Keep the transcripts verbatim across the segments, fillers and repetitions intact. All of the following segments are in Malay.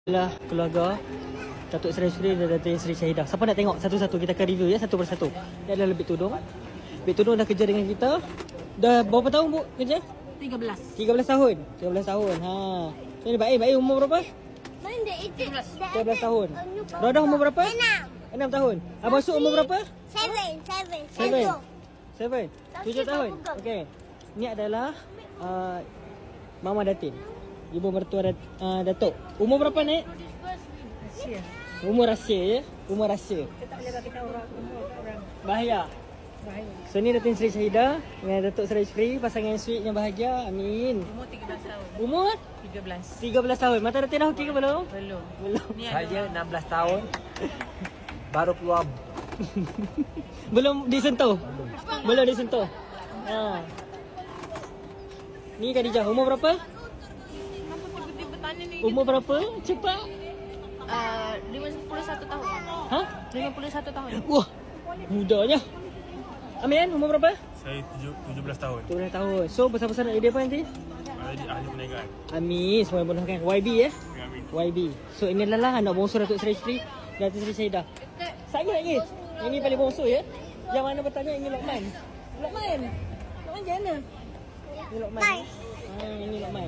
Inilah keluarga Datuk Seri Sri dan Datuk Seri Syahidah. Siapa nak tengok satu-satu, kita akan review ya, satu persatu. Ini adalah Bik Tudung. Bik Tudung dah kerja dengan kita. Dah berapa tahun bu kerja? tiga belas. tiga belas tahun. tiga belas tahun. Ha. So ni Baik, Baik umur berapa? tiga belas. tiga belas tahun. Rodah umur berapa? enam tahun. Abang Su umur berapa? Seven, seven, Seven. seven. Seven. Tujuh tahun. Okey. Ni adalah uh, Mama Datin. Ibu mertua Dat, uh, Datuk. Umur berapa Nek? Rahsia. Umur rahsia ya. Umur rahsia. Kita tak boleh beritahu orang umur orang. Bahaya. Bahaya. So ni Datin Seri Syahidah dengan Datuk Seri Sri, pasangan sweet yang bahagia. Amin. Umur tiga belas tahun. Umur tiga belas. tiga belas tahun. Mata Datin dah okey ke belum? Belum. Belum. Ni Saya enam belas tahun baru keluar. Belum disentuh. Belum disentuh. Ha. Ni Khadijah umur berapa? tiba-tiba tanya ni. Umur berapa? Cepat. Uh, lima puluh satu tahun. Ha? lima puluh satu tahun. Wah. Mudanya. Amin umur berapa? Saya tujuh, tujuh belas tahun. tujuh belas tahun. So besar-besar nak jadi apa nanti? Ahli, ahli perniagaan. Amin. Semua mudahkan. Y B ya. Amin. Y B. So inilah lah anak bongsu Datuk Seri Sri dan Datuk Seri Syahidah. Saya lagi. Ini paling bongsu ya. Yang mana bertanya ini Lokman. Lokman. Lokman macam mana? Ini Lokman. Ha, ini Lokman.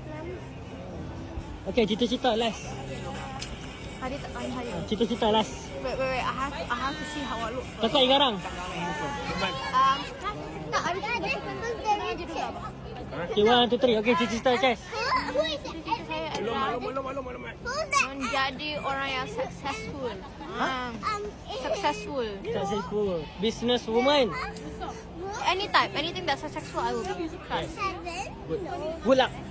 Okey, cita-cita last. Hari tak hari hari. Cita-cita last. Wait wait wait. I have to, I have to see how I look. Kakak Igarang. Um, Tak ada ada contoh dari cik. Okay, one, two, three. Okey, cita-cita Chess. Who is it? cita saya adalah Who's that? menjadi orang yang successful. Um, Um, is it? successful. Successful. Business woman. Any type, anything that's successful, I will be. Seven? Good luck.